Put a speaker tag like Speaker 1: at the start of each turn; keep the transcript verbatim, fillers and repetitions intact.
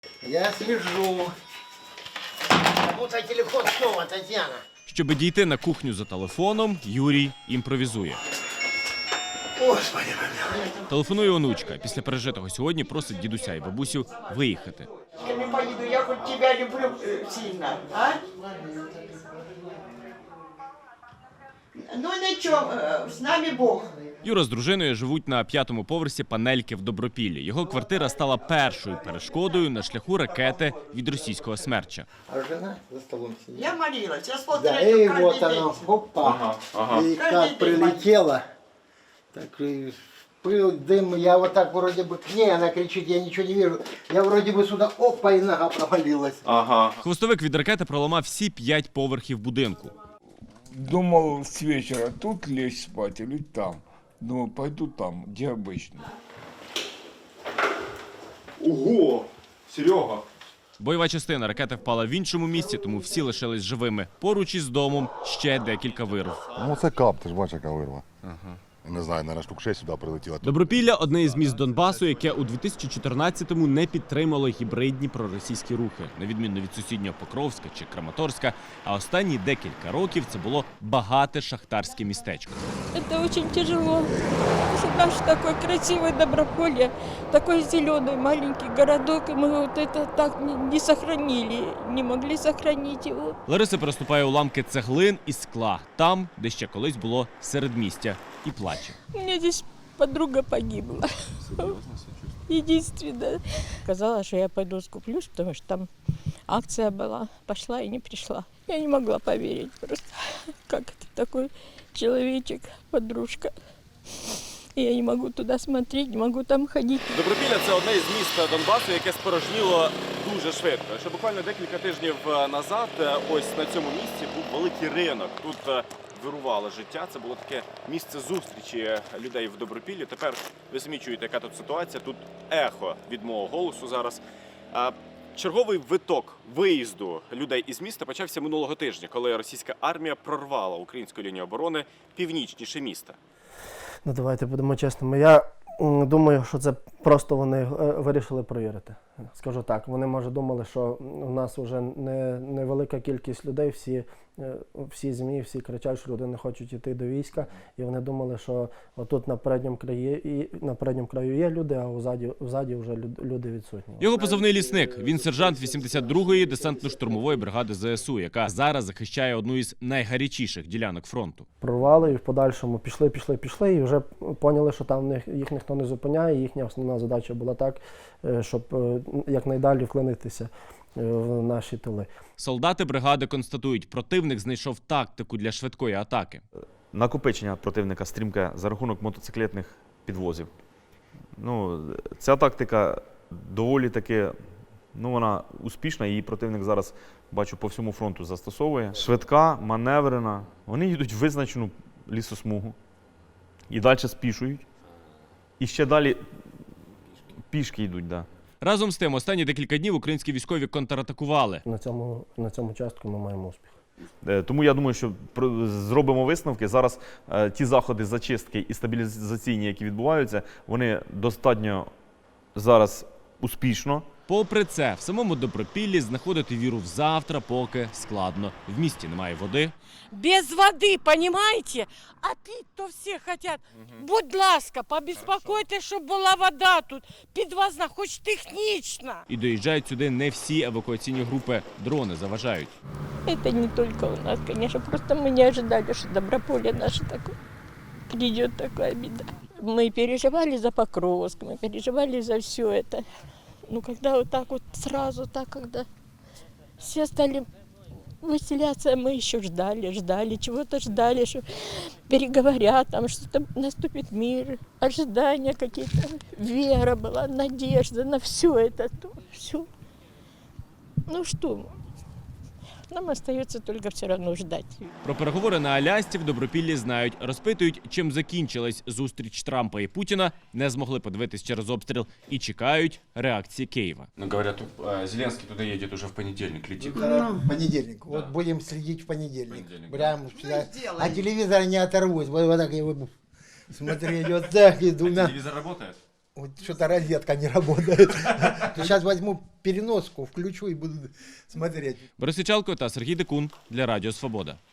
Speaker 1: Я слежу. Кому-то телефон снова, Татьяна.
Speaker 2: Щоб дійти на кухню за телефоном, Юрій імпровізує.
Speaker 1: Господи,
Speaker 2: Телефонує онучка. Після пережитого сьогодні просить дідуся і бабусю виїхати.
Speaker 1: я не поеду, я хоть тебя люблю э, сильно, а? Ну ничего, э, с нами Бог.
Speaker 2: Юра з дружиною живуть на п'ятому поверсі панельки в Добропіллі. Його квартира стала першою перешкодою на шляху ракети від російського смерча.
Speaker 1: А жена за столом сидит.
Speaker 3: Я молилась, я смотрела
Speaker 1: Да, и
Speaker 3: каждый
Speaker 1: вот
Speaker 3: день.
Speaker 1: оно, опа.
Speaker 4: Ага, ага.
Speaker 1: И
Speaker 3: Каждый
Speaker 1: как
Speaker 3: день
Speaker 1: прилетело, так и пыл, дым, я вот так вроде бы к ней, она кричит, я ничего не вижу. Я вроде бы сюда, опа, и нога провалилась.
Speaker 4: Ага.
Speaker 2: Хвостовик від ракети проламав всі п'ять поверхів будинку.
Speaker 5: Думал с вечера тут лечь спать или там. Думал, пойду там, где обычно.
Speaker 4: Ого! Серега!
Speaker 2: Бойова частина ракети впала в іншому місці, тому всі лишились живими. Поруч із домом ще декілька вирв.
Speaker 6: Ну це кап, ти ж бачиш, яка вирва. Ага. Не знаю, наверное, штук шесть сюди прилетіло.
Speaker 2: Добропілля – одне із міст Донбасу, яке у дві тисячі чотирнадцятому не підтримало гібридні проросійські рухи, на відміну від сусіднього Покровська чи Краматорська, а останні декілька років це було багате шахтарське містечко.
Speaker 7: Это очень тяжело. Если наш такой красивый Доброполье, такой зеленый маленький городок, и мы вот это так не, не сохранили, не могли сохранить его.
Speaker 2: Лариса переступає уламки цеглин і скла, там, де ще колись було середмістя, і плаче.
Speaker 7: У меня здесь подруга погибла. Единственная. Сказала, что я пойду скуплюсь, потому что там акция была. Пошла и не пришла. Я не могла поверить просто, как это такой человечек, подружка. И я не могу туда смотреть, не могу там ходить.
Speaker 4: Добропілля – це одне із міст Донбасу, яке спорожніло дуже швидко. Ще буквально декілька тижнів назад ось на цьому місці був великий ринок. Тут вирувало життя, це було таке місце зустрічі людей в Добропіллі. Тепер ви самі чуєте, яка тут ситуація. Тут ехо від мого голосу зараз. Черговий виток виїзду людей із міста почався минулого тижня, коли російська армія прорвала українську лінію оборони північніше міста.
Speaker 8: Ну, давайте будемо чесними. Я м, думаю, що це просто вони е, вирішили провірити. Скажу так, вони, може, думали, що у нас вже не, невелика кількість людей, всі, е, всі ЗМІ, всі кричать, що люди не хочуть йти до війська, і вони думали, що отут на передньому краї, і, на передньому краю є люди, а взаді, взаді вже люд- люди відсутні.
Speaker 2: Його позивний «Лісник». Він сержант вісімдесят другої десантно-штурмової бригади ЗСУ, яка зараз захищає одну із найгарячіших ділянок фронту.
Speaker 8: Прорвали і в подальшому пішли, пішли, пішли, і вже поняли, що там в них, їх ніхто не зупиняє. Їхня основна задача була так, е, щоб е, якнайдалі вклинитися е, в наші тили.
Speaker 2: Солдати бригади констатують, противник знайшов тактику для швидкої атаки.
Speaker 9: Накопичення противника стрімке за рахунок мотоциклетних підвозів. Ну, ця тактика доволі таки, ну, вона успішна, її противник зараз, бачу, по всьому фронту застосовує. Швидка, маневрена, вони йдуть в визначену лісосмугу і далі спішують. І ще далі пішки йдуть, да.
Speaker 2: Разом з тим, останні декілька днів українські військові контратакували.
Speaker 8: На цьому, на цьому частку ми маємо успіх.
Speaker 9: Е, Тому я думаю, що про- зробимо висновки. Зараз е, ті заходи зачистки і стабілізаційні, які відбуваються, вони достатньо зараз успішно.
Speaker 2: Попри це, в самому Добропіллі знаходити віру в завтра поки складно. В місті немає води.
Speaker 3: Без воды, понимаете? А пить-то все хотят. Будь ласка, побеспокойтесь, щоб була вода тут. Підвозна, хоч технічна.
Speaker 2: І доїжджають сюди не всі евакуаційні групи. Дрони заважають.
Speaker 7: Это не только у нас, конечно, просто мы не ожидали, что Доброполье наше такое, придет такая беда. Мы переживали за Покровск, мы переживали за все это. Ну, когда вот так вот сразу, так, когда все стали выселяться, мы еще ждали, ждали, чего-то ждали, что переговорят, там что-то наступит мир, ожидания какие-то, вера была, надежда на все это, все. Ну что, нам остается только все равно ждать.
Speaker 2: Про переговори на Алясці в Добропіллі знають. Розпитують, чим закінчилась зустріч Трампа і Путіна, не змогли подивитись через обстріл і чекають реакції Києва.
Speaker 4: Ну, говорят, Зеленский туда едет уже в понедельник, летит.
Speaker 1: В понедельник. Вот
Speaker 4: Да.
Speaker 1: будем следить в понедельник.
Speaker 4: Понедельник,
Speaker 1: Прямо
Speaker 3: Ну,
Speaker 1: сюда. А телевизор не оторвусь. Вот, вот так я буду смотреть. Вот так и двумя.
Speaker 4: Телевизор работает?
Speaker 1: Вот что-то розетка не работает. Сейчас возьму переноску, включу и буду смотреть.
Speaker 2: Борис Ічалко та Сергій Дикун для Радіо Свобода.